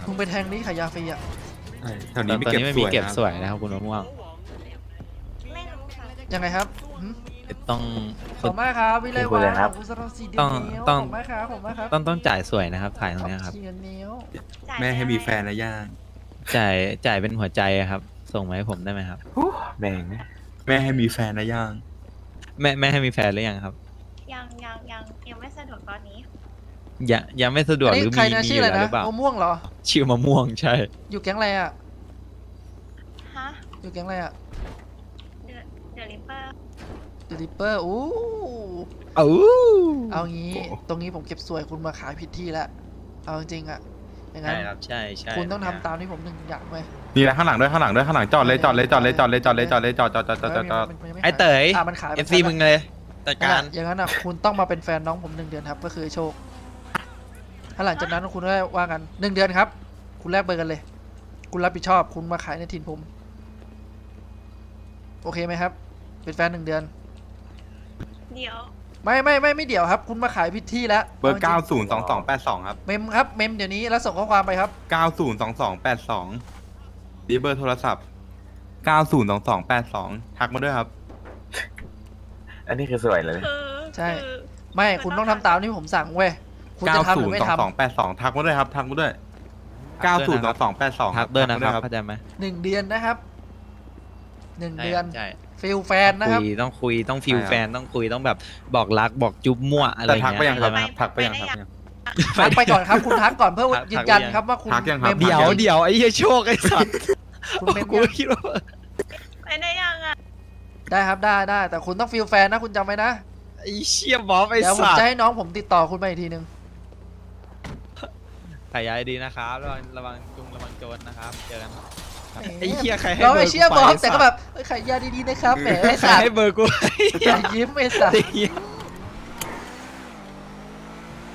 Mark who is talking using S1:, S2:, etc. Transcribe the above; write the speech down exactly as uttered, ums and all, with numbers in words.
S1: มึงไปแทงนี้ขายยาฟรีอ่ะ
S2: ใช่แถว
S3: ต
S2: นี้
S3: อน
S2: ไม่
S3: ตอน
S2: เก็บ
S3: นี้ไม่
S2: ส
S3: มี
S2: วย
S3: เก็บ
S2: นะ
S3: สวยนะครับคุณมะม่วง
S4: ไม่รู้ค่ะ
S1: ยังไงครับหึ
S3: ต้อง
S1: ขอบคุณมากครับวิไล
S5: คุ
S1: วาย
S5: เลยครับ
S1: ขอบคุณสำหรับสีเดี
S3: ต้อง
S1: นิ้ว
S3: ต้อง
S1: ขอบคุณมากครับขอบคุณมากครับ
S3: ต้องต้องจ่ายสวยนะครับถ่ายตรงเนี้ยครับ
S1: เขียนนิ้ว
S4: จ่าย
S2: แม่ให้มีแฟน
S4: ไป
S2: นะย่าง
S3: จ่ายจ่ายเป็นหัวใจอะครับ ส่งมาให้ผมได้ไหมครับ
S5: แม่ง
S2: แม่ให้มีแฟนนะย่าง
S3: แม่แม่ให้มีแฟนหรือยังครับ
S4: ยังยังยังยังไม่สะดวกตอนนี้
S3: ยังยังไม่สะดวก
S1: อัน
S3: ห
S1: นี้
S3: รือ
S1: ใคร
S3: มี
S1: นะ
S3: มี
S1: ชื่
S3: อ
S1: ออะไร
S3: ยู่แล้วห
S1: นะ
S3: รือเปล่าม
S1: ะม่วงเหรอ
S3: ชื่อมะม่วงใช่
S1: อยู่แก๊งอะไรอ่ะ
S4: ฮะ
S1: อยู่แก๊งอะไรอ่ะ
S4: เดอะเดอะริปเปอร์
S1: เดลิเปอร์อู้
S3: เอ้า
S1: เอางี้ ตรงนี้ผมเก็บสวยคุณมาขายผิดที่แล้ว เอาจริงๆอ่ะ อย่างนั้
S3: ใช่
S1: น
S3: ครับใช่ใช่
S1: คุณต้องทำตามที่ผมหนึ่งอย่างไว้
S2: นี่นะข้างหลังด้วยข้างหลังด้วยข้างหลังจอดเลยจอดเลยจอดเลยจอดเลยจอดเลยจอดเลยจอดจอดจอดจอดจอดจอด
S1: มันยังม่
S3: ไอ้
S1: ขาย
S3: เต๋ย
S1: อ่ะมันขาย
S3: เอฟซีมึงเลยจัดการ
S1: อย่างนั้นอ่ะคุณต้องมาเป็นแฟนน้องผมหนึ่งเดือนครับ ก็คือโชค ถ้าหลังจากนั้นคุณก็ว่ากันหนึ่งเดือนครับ คุณแลกเบอร์กันเลย คุณรับผิดชอบ คุณมาขายในถิ่นผม โอเคไหมครับ เป็นแฟนหนึ่งเดือน
S4: เดี๋ยว
S1: ไม่ไม่ไม่ไม่เดี๋ยวครับ คุณมาขายผิดที่แล้ว
S2: เบอร์เก้าศูนย์สองสองแปดสองครับ
S1: เมมครับ เมมเดี๋ยวนี้แล้วส่งข้อความไปครับ
S2: เก้าศูนย์สองสองแปดสองนี่เบอร์โทรศัพท์เก้าศูนย์สองสองแปดสองทักมาด้วยครับ
S5: อันนี้คือสวยเลย
S4: คือ
S1: ใช่
S4: คือ
S1: ไม่คุณต้องทำตามที่ผมสั่งเว้ย คุณจะทำหรือไม่ท
S2: สองแปดสองทักมาด้วยครับทักมาด้วยเก้าศูนย์สองสองแปดสอง
S3: ทักด้วยนะครับเข้าใจไหม
S1: ำหนึ่งเดือนนะครับหนึ่ง
S3: ใช่
S1: เดือน
S3: ใช่
S1: ฟิลแฟนนะครับ
S3: คุยต้องคุยต้องฟิลแฟนต้องคุยต้องแบบบอกรักบอกจุ๊บมั่วอะไร
S2: แต่
S3: เงี้ย
S2: ทักไปยังครับ
S3: เข้าใจไหม
S2: ทักไปยังครับ
S1: ทักไปก่อนครับ คุณทักก่อนเพื่อ
S3: ทัก
S1: ยืนยัน
S3: ทักหรือยัง
S1: ครับว่าคุณ
S2: ทักยังครับ
S1: เมม
S3: เดี๋ยวเดี๋ยวไอ้เหี้ยโชคไอ้สัตว์
S1: คุณเมม
S3: กู
S1: ยัง
S3: คิดว่า
S4: ไปได้ยังอ่ะ
S1: ได้ครับได้ได้แต่คุณต้องฟิลแฟนนะคุณจำไว้นะ
S3: ไอ้เชี่ยบอสไอ้
S1: เดี๋ยวผม
S3: สัต
S1: จะ
S3: ว์
S1: ให้น้องผมติดต่อคุณไปอีกทีนึง
S3: ขายยาดีนะครับระวังระวังจุงระวังโจรนะครับเจอกันครับไอ้เหี้ยใครให้
S1: เรา
S3: เบอ
S1: ไม่
S3: ร์
S1: เชื่อ
S3: กู
S1: บ
S3: ไป
S1: อกแต่ก็แบบเอ้ยขายยาดีๆนะครับแหมไอ้
S3: ใคร
S1: สัตว์
S3: ให้เบอร์กู
S1: อย่ายิ้มไอ้สัต
S3: ไอ้
S1: ว์
S3: เหี้ย